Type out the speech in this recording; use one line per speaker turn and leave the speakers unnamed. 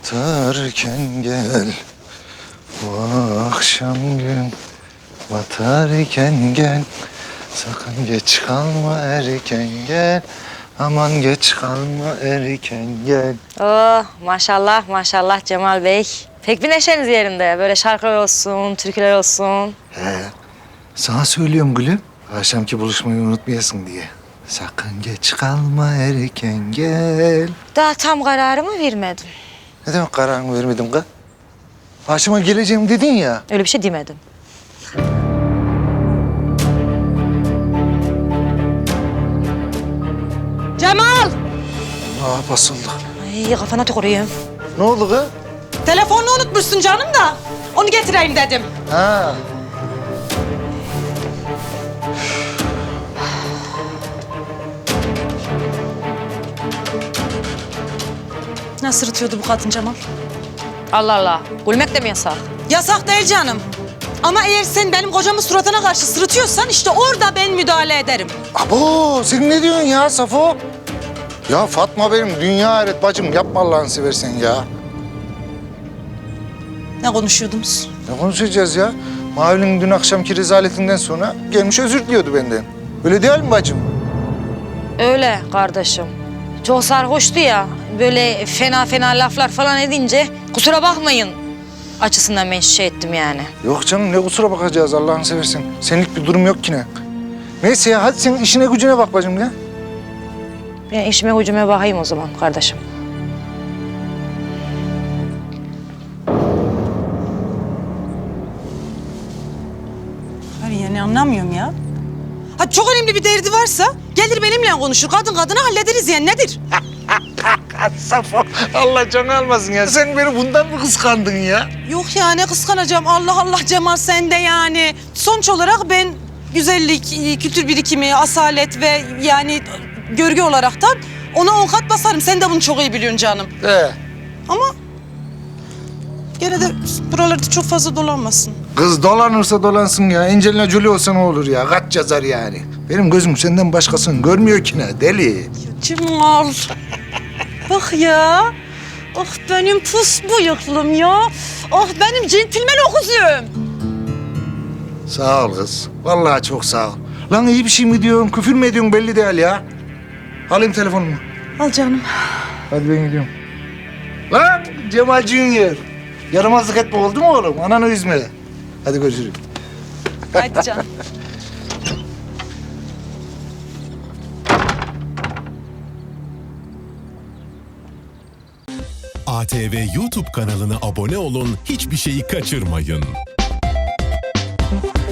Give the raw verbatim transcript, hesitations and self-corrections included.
batarken gel. Bu akşam gün batarken gel. Sakın geç kalma erken gel. Aman geç kalma erken gel.
Oh maşallah maşallah Cemal Bey. Pek bir neşeniz yerinde. Böyle şarkılar olsun, türküler olsun.
He, sana söylüyorum gülüm. Akşamki buluşmayı unutmayasın diye. Sakın geç kalma erken gel.
Daha tam kararımı vermedim.
Ne demek kararını vermedim kız? Akşama geleceğim dedin ya.
Öyle bir şey demedim. Cemal!
Aa basıldı.
Ay kafana tüküreyim.
Ne oldu kız?
Telefonunu unutmuşsun canım da. Onu getireyim dedim.
Ha.
Ne sırıtıyordu bu kadın Cemal?
Allah Allah. Gülmek de mi yasak?
Yasak değil canım. Ama eğer sen benim kocamın suratına karşı sırıtıyorsan işte orada ben müdahale ederim.
Abo sen ne diyorsun ya Safo? Ya Fatma benim dünya hayret bacım, yapma Allah'ını seversen ya.
Ne konuşuyordunuz?
Ne konuşacağız ya? Mavi'nin dün akşamki rezaletinden sonra gelmiş özür diliyordu benden. Öyle değil mi bacım?
Öyle kardeşim. Çok sarhoştu ya. Böyle fena fena laflar falan edince kusura bakmayın açısından ben şey ettim yani.
Yok canım, ne kusura bakacağız Allah'ını seversen. Senlik bir durum yok ki ne. Neyse ya, hadi sen işine gücüne bak bacım ya.
Ben işime gücüme bakayım o zaman kardeşim.
Hayır yani anlamıyorum ya. Ha çok önemli bir derdi varsa gelir benimle konuşur. Kadın kadına hallederiz yani nedir?
Safo, Allah canı almasın ya. Sen beni bundan mı kıskandın ya?
Yok ya ne kıskanacağım. Allah Allah Cemal sen de yani. Sonuç olarak ben güzellik, kültür birikimi, asalet ve yani görgü olaraktan ona on kat basarım. Sen de bunu çok iyi biliyorsun canım.
Ee,
Ama gene de buralarda çok fazla dolanmasın.
kız dolanırsa dolansın ya. Angelina Jolie olsa ne olur ya? Kaç yazar yani? Benim gözüm senden başkasını görmüyor ki ne deli.
Cemal. Bak ya. Ah benim pus bıyıklım ya. Ah benim centilmen okuzum.
Sağ ol kız. Vallahi çok sağ ol. Lan iyi bir şey mi diyorsun, küfür mü ediyorsun belli değil ya. Alayım telefonumu.
Al canım.
Hadi ben gidiyorum. Lan Cemal Junior. Yaramazlık etme oldu mu oğlum? Ananı üzme. Hadi görüşürüz.
Haydi canım.
A T V YouTube kanalına abone olun, hiçbir şeyi kaçırmayın.